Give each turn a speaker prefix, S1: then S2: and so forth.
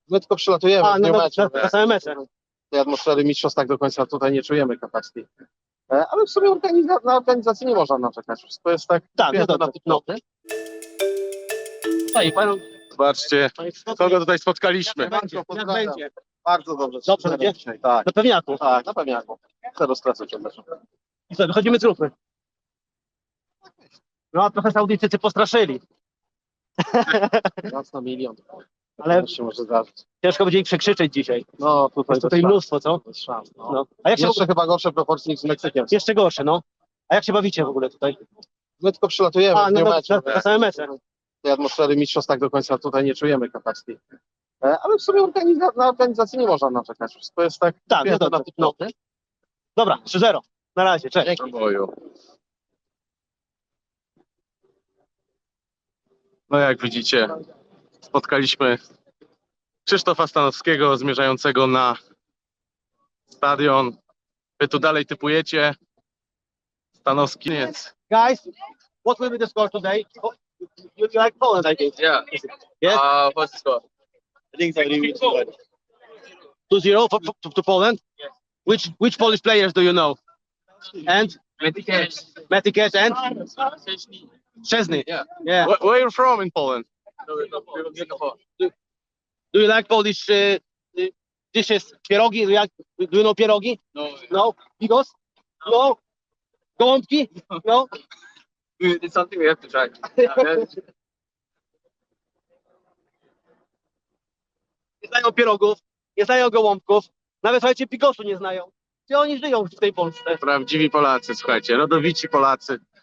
S1: My tylko przylatujemy w dniu meczu.
S2: na same mecze.
S1: Tej atmosfery mistrzostw tak do końca tutaj nie czujemy kapacki. Ale w sumie na organizację nie można narzekać. Wszystko jest tak
S2: Tak, no
S1: piękne
S2: dobrze.
S1: na typnoty.
S2: I panu,
S1: Zobaczcie, kogo tutaj spotkaliśmy.
S2: jak będzie?
S1: Bardzo dobrze.
S2: Dobrze będzie?
S1: Dzisiaj. Tak,
S2: Na pewniaku.
S1: tak, na pewniaku. Zero stresu cię też.
S2: I co, wychodzimy z grupy. No, a trochę Saudyjczycy postraszyli,
S1: Raz na milion.
S2: ale
S1: To się może zdarzyć.
S2: ciężko będzie ich przekrzyczeć dzisiaj.
S1: No, tutaj
S2: Jest tutaj
S1: bez
S2: mnóstwo, co?
S1: szans, bez szans. No.
S2: No. A jak się
S1: Jeszcze chyba gorsze proporcje niż z Meksykiem.
S2: jeszcze gorsze, no. A jak się bawicie w ogóle tutaj?
S1: My tylko przylatujemy w dniu meczu.
S2: na same mecze.
S1: Tej atmosfery mistrzostw tak do końca tutaj nie czujemy kapacki. Ale w sumie na organizację nie można narzekać. Wszystko jest tak
S2: Tak, no
S1: piękne
S2: dobrze.
S1: na typnoty.
S2: Dobra, 3-0. Na razie, cześć.
S1: Dzięki. No jak widzicie, spotkaliśmy Krzysztofa Stanowskiego zmierzającego na stadion. Wy tu dalej typujecie. Stanowski jest.
S2: Guys, what will be the score today? Oh, you like Poland, I think.
S3: Yeah.
S2: Yes?
S3: What's the score?
S2: I think it's 2-0 to Poland. Which Polish players do you know? And Metikes and Szczesny.
S3: Yeah.
S2: Yeah.
S1: Where you from in Poland?
S2: Do you like Polish dishes? Pierogi? Do you know pierogi?
S3: No.
S2: No. Bigos? No. Gołąbki? No.
S3: It's something we have to try.
S2: Nie znają pierogów, nie znają gołąbków, nawet słuchajcie, bigosu nie znają. Gdzie oni żyją w tej Polsce?
S1: Prawdziwi Polacy, słuchajcie, rodowici Polacy.